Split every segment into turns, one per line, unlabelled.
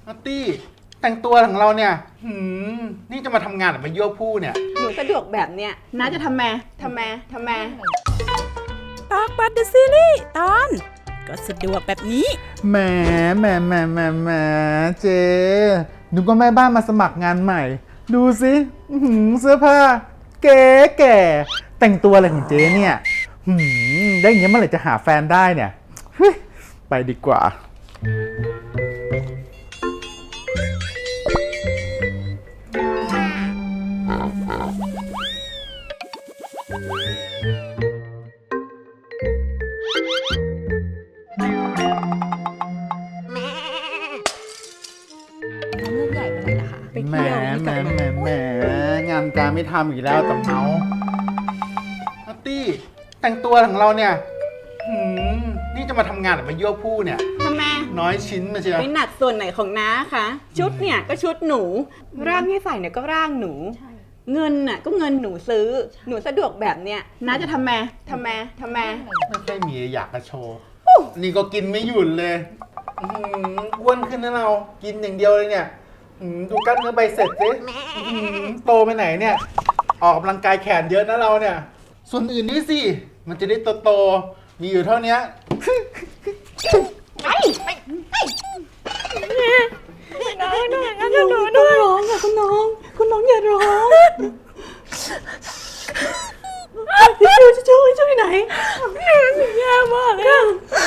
นัตตี้แต่งตัวของเราเนี่ยนี่จะมาทำงานหรือมายั่วผู้เนี่ย
หนูสะดวกแบบเนี้ยน้าจะทำไม
ตอกบัตรเดอะซีรีส์ตอนก็สะดวกแบบนี้
แหมเจ๊นึกว่าแม่บ้านมาสมัครงานใหม่ดูสิเสื้อผ้าเก๋แก่แต่งตัวอะไรของเจ๊เนี่ยได้อย่างเงี้ยเมื่อไหร่จะหาแฟนได้เนี่ยไปดีกว่า
ไปเที่ยว
แหมงานการไม่ทำอีกแล้วแต่เมานัตตี้แต่งตัวของเราเนี่ยนี่จะมาทำงานหรือมายั่วผู้เนี่ย
ทำไม
น้อยชิ้นมาเชียว
ไปหนักส่วนไหนของน้าคะชุดเนี่ยก็ชุดหนูร่างที่ใส่เนี่ยก็ร่างหนูเงินน่ะก็เงินหนูซื้อหนูสะดวกแบบเนี้ยน้าจะทำไม
ไม่ค่อยมีอยากจะโชว์นี่ก็กินไม่หยุดเลยอ้วนขึ้นนะเรากินอย่างเดียวเลยเนี่ยดูกล้ามเนื้อใบเสร็จสิโตไปไหนเนี่ยออกกำลังกายแขนเยอะนะเราเนี่ยส่วนอื่นนี่สิมันจะได้โตมีอยู่เท่านี้
น้องร้องค่ะคุณน้องอย่าร้องพี่ช่วยไหนแย่มากเลย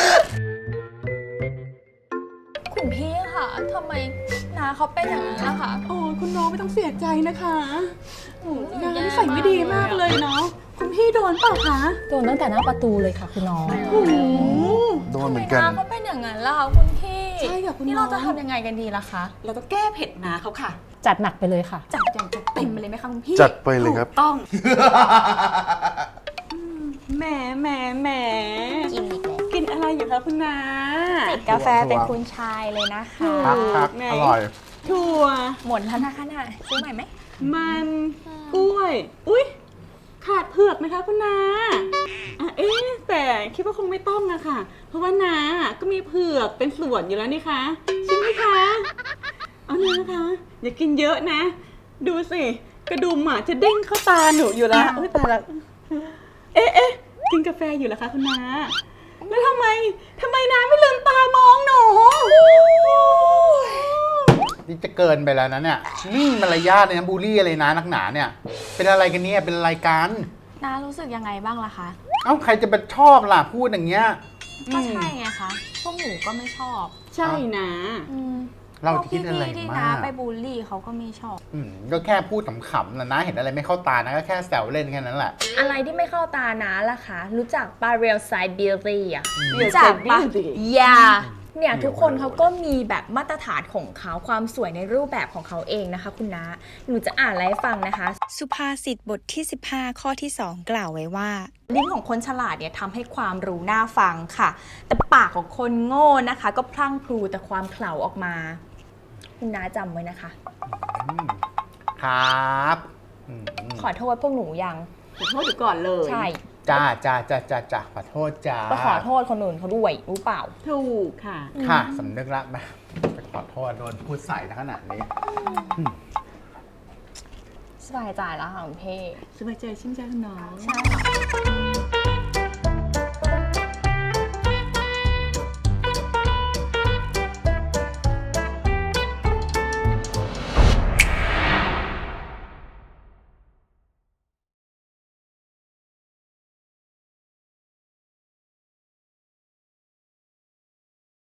คุณพี่ค่ะทำไมน้าเขาเป็นอย่างนี้ล่ะคะ
โอ้คุณน้องไม่ต้องเสียใจนะคะน้านิสัยไม่ดีมากเลยเนาะคุณพี่โดนเปล่าคะ
โดนตั้งแต่หน้าประตูเลยค่ะคุณน้อง
โดนเหมือนกัน
น้าเขาเป็นอย่างนั้นล่ะคะคุณพี่
ใช่ค่ะคุณน้อง
นี่เราจะทำยังไงกันดีล่ะคะ
เราก็แก้เผ็ดน้าเขาค่ะ
จัดหนักไปเลยค่ะ
จัดเต็มไปเลยไหมคะคุณพี่
จัดไปเลยครับ
ต้องแหมกินอะไรอยู่คะคุณน้า
จิบกาแฟเป็นคุณชายเลยนะคะ
พักอร่อย
ถั่ว
หมดแล้วนะคะน่ะซื้อใหม่ไหม
มันกล้วยอุ๊ยขาดเผือกไหมคะคุณน้าแต่คิดว่าคงไม่ต้องอะค่ะเพราะว่าน้าก็มีเผือกเป็นส่วนอยู่แล้วนี่คะใช่ไหมคะเอานะคะอย่ากินเยอะนะดูสิกระดุมจะเด้งเข้าตาหนูอยู่แล้วตายละกินกาแฟอยู่แล้วคะคุณน้าแล้วทำไมน้าไม่ลืมตามองหนู
นี่จะเกินไปแล้วนะเนี่ยนี่มารยาทเลยนะบูลลี่อะไรนะนักหนาเนี่ยเป็นอะไรกันเนี่ยเป็นอะไรกัน
น้ารู้สึกยังไงบ้างล่ะคะ
ใครจะไปชอบล่ะพูดอย่างเงี้ย
ก็ใช่ไงคะพวกหนูก็ไม่ชอบ
ใช่นะ
เราคิดอะไร
ที่
มาก
น้าไปบูลลี่เขาก็ไม่ชอบ
ก็แค่พูดขำๆนะเห็นอะไรไม่เข้าตานะก็แค่แซวเล่นแค่นั้นแหละ
อะไรที่ไม่เข้าตาน้าล่ะคะรู้จักปาเรียลไซด์บิลลี่อ่ะรู้จักปะเนี่ยทุกคนเขาก็มีแบบมาตรฐานของเขาความสวยในรูปแบบของเขาเองนะคะคุณน้าหนูจะอ่านอะไรให้ฟังนะคะ
สุภาษิตบทที่15ข้อที่2กล่าวไว้ว่า
ลิ้นของคนฉลาดเนี่ยทำให้ความรู้น่าฟังค่ะแต่ปากของคนโง่นะคะก็พลั่งพลูแต่ความเขลาออกมาคุณน้าจำไว้นะคะ
ครับ
ขอโทษพวกหนูยัง
ขอโทษอยู่ก่อนเลย
ใช่
จ้าขอโทษจ้า
ก็ขอโทษคนอื่นเขาด้วยรู้เปล่า
ถูกค่ะ
สำนึกละมาไปขอโทษโดนพูดใส่ขนาดนี้
สบายใจแล้วค่ะคุณเพ่
สบายใจชื่นใจคุณน้อง
ใช่ค่ะ